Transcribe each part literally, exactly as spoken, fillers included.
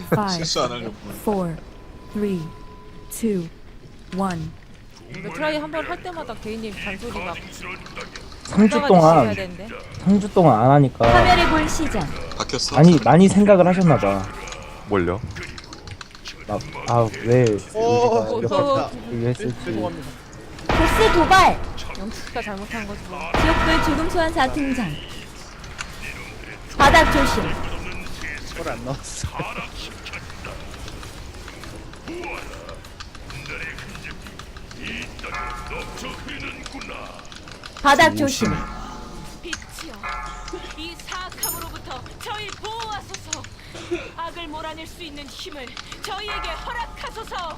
five, 실수 안 하려고. four, three, two, one. 근데 트라이 한 번 할 때마다 개인님 잔소리 막 삼 주 해야 동안 되는데. 삼 주 동안 안 하니까 파멸의 불 시작. 바뀌었어. 많이 많이 생각을 하셨나 봐. 뭘요? 아왜 오, 우리가 또 이렇게 했을지. 죄송합니다. 보스 도발. 영수가 잘못한 거지 뭐. 지옥불 죽음 소환사 등장. 바닥 조심. 그걸 안 넣었어. 바닥 조심. 빛이여, 이 사악함으로부터 저희 보호하소서. 악을 몰아낼 수 있는 힘을 저희에게 허락하소서.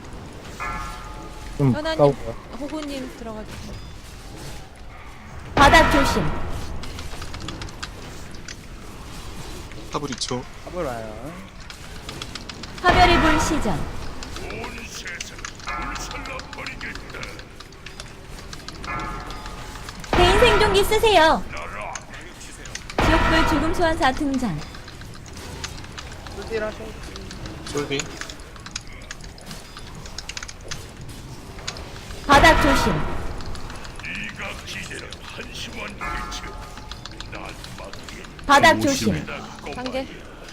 좀 현아님, 가까울까? 호구님 들어가주세요. 바닥 조심. 탑을 이 초. 합을 와요. 파멸의 불 시작. 개인 생존기 쓰세요. 지옥불 죽음 소환사 등장. 쏘질하셔. 솔비. 바닥 조심. 바닥 조심. 상계.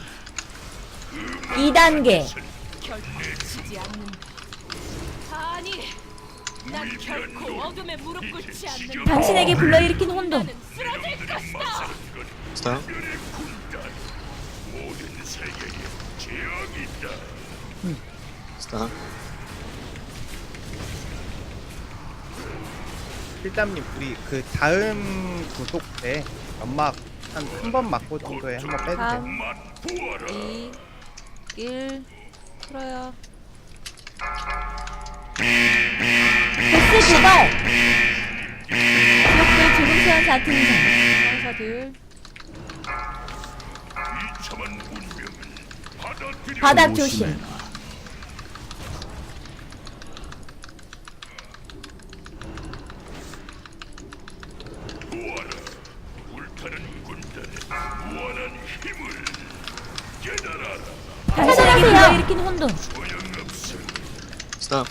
이 단계. 결코 지지 않는다. 아니, 난 결코 어둠에 무릎 꿇지 않는다. 당신에게 불러일으킨 혼돈. 나는 쓰러질 것이다. 스타. 스타. 필담님 우리 그 다음 구속 때 연막 한 한 번 맞고 정도에 한 번 빼주세요. 삼, 이, 일. 풀어요. 보스 도발. 지옥불 죽음 소환사 등장. 천사들. 바닥 조심. 당신에게 불러일으킨 혼돈. 스타.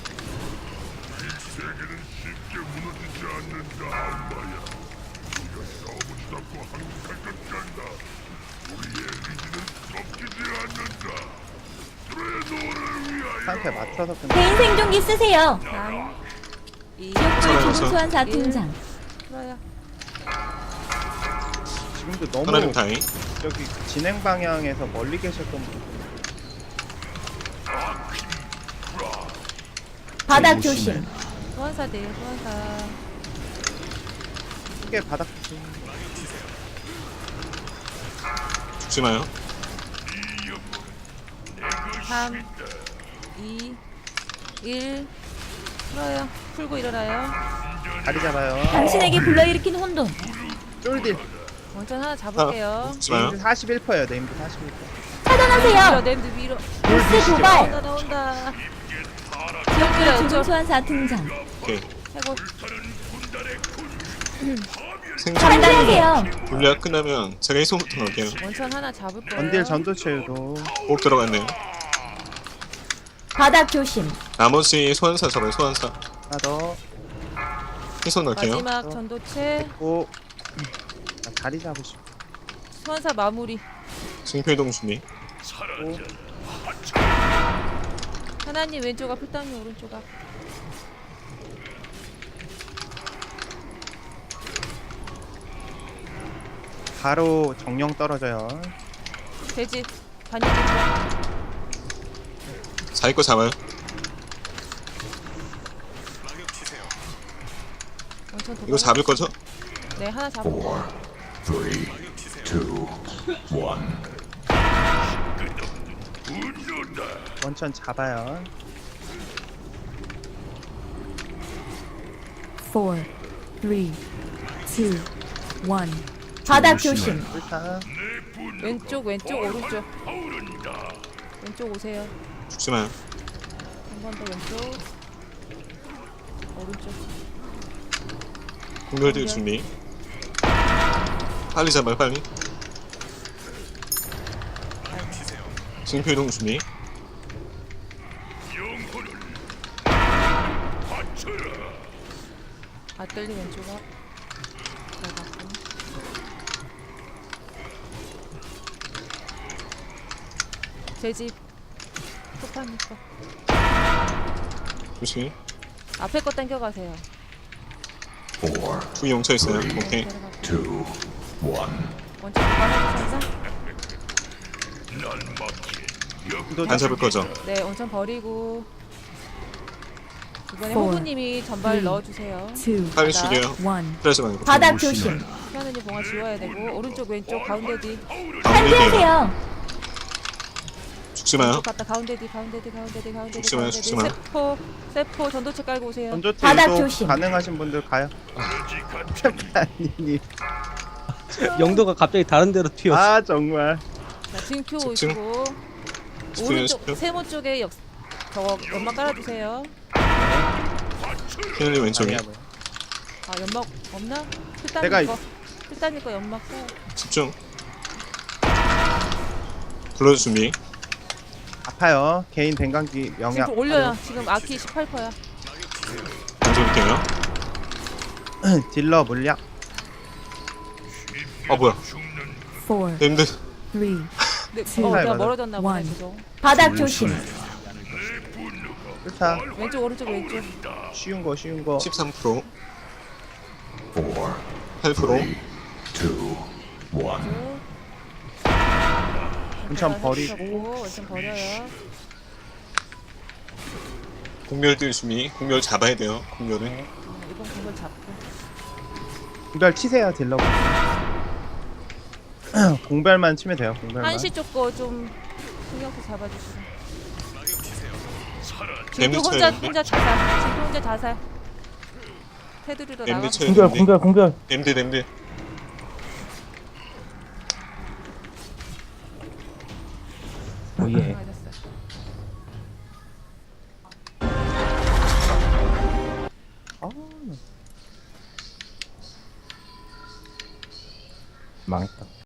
상태 맞춰서 좀 개인 생존기 쓰세요. 삼, 이, 지옥불 살아요, 죽음 소환사 등장. 풀어요. 지금도 너무 하나님 다행. 여기 진행 방향에서 멀리 계셨던 분 바닥 조심. 소환사들, 소환사. 크게 바닥 좀 죽지 마요. 삼, 이, 일. 풀어요. 풀고 일어나요. 다리 잡아요. 당신에게 불러일으킨 혼돈. 쫄딜. 원천 하나 잡을게요. 죽지 마요. 네임드 사십일 퍼예요. 네임드 사십일 퍼. 차단하세요. 냄드 위로. 보스 도발. 나온다, 나온다. 지옥불 죽음 소환사 등장. 오케이. 해고. 생존. 차단하세요. 분리가 끝나면 제가 희소부터 넣을게요. 원천 하나 잡을 거예요. 원딜 전도체도 꼭 들어갔네요. 바닥 조심. 나머지 소환사 잡아요. 소환사. 하나 더 희소 넣을게요. 마지막 전도체. 있고 나 다리 잡으시고 소환사 마무리. 징표이동 준비. 하나님 왼쪽 앞, 풀당님 오른쪽 앞. 바로 정령 떨어져요. 돼지. 반영 좀. 자기 거 잡아요. 원천 도발. 이거 잡을 거죠? 네, 하나 잡을 거예요. 원천 잡아요. four, three, two, one. 바닥 조심. 일단 왼쪽, 왼쪽, 오른쪽. 왼쪽 오세요. 죽지 마요. 한 번 더 왼쪽. 오른쪽. 공멸들 준비. 빨리 잡아요. 빨리. 징표 이동 준비. 아떨리 왼쪽 앞. 잘 봤고. 제집 소파님 거. 조심. 앞에 거 당겨가세요. 두 용차 있어요. 오케이. 원점 도발해주셔서. 안 잡을 거죠? 네, 원점 버리고. 이번에 Four, 호구님이 전발 three, 넣어주세요. two, 빨리 죽여요. one. 그러지 말고. 바닥 조심. 피아노님 봉화 지워야 되고 오른쪽 왼쪽 가운데 뒤. 가운데 뒤에요. 탈피하세요. 죽지 마요. 왼쪽 갔다 가운데 뒤 가운데 뒤 가운데 뒤 가운데 뒤 죽지 마요, 가운데 뒤. 죽지 마요. 세포 세포 전도체 깔고 오세요. 전조체 바닥 유도 조심. 가능하신 분들 가요. 아니, 영도가 갑자기 다른 데로 튀었어. 아 정말. 자, 징표 집중. 오시고 집중해요, 오른쪽 집중. 세모 쪽에 역 저거 연막 깔아주세요. 피누님 왼쪽에. 아니야, 뭐야. 아 연막 없나? 내가 필단님 이- 거 필단님 거 연막 써요. 집중. 불러줄 준비. 아파요. 개인 dengan기 영약. 지금 올려요. 지금 아키 십팔 퍼센트야. 던져볼게요. 딜러 물약. 아 뭐야? four, 님들 three. 네, 칠, 어, 내가 맞아. 멀어졌나 보네. 원. 지금. 바닥 조심. 좋다. 왼쪽 오른쪽 왼쪽. 쉬운 거 쉬운 거. 십삼 퍼센트. 팔 퍼센트. 원천 버리고. 원천 버려요. 공멸 뛸 준비. 공멸 잡아야 돼요. 공멸을. 어, 이번 공을 잡고. 공별 치세요 딜러. 공별만 치면 돼요. 공별만. 한시 쪽 거 좀 신경 써 잡아주시고. 엠드 지금 혼자 쳐야 혼자 자살. 지금 혼자 자살. 테두리로 엠드 나가. 쳐야 공별 되는데. 공별 공별. 엠드 엠드. 오예. 맞았어. 망했다.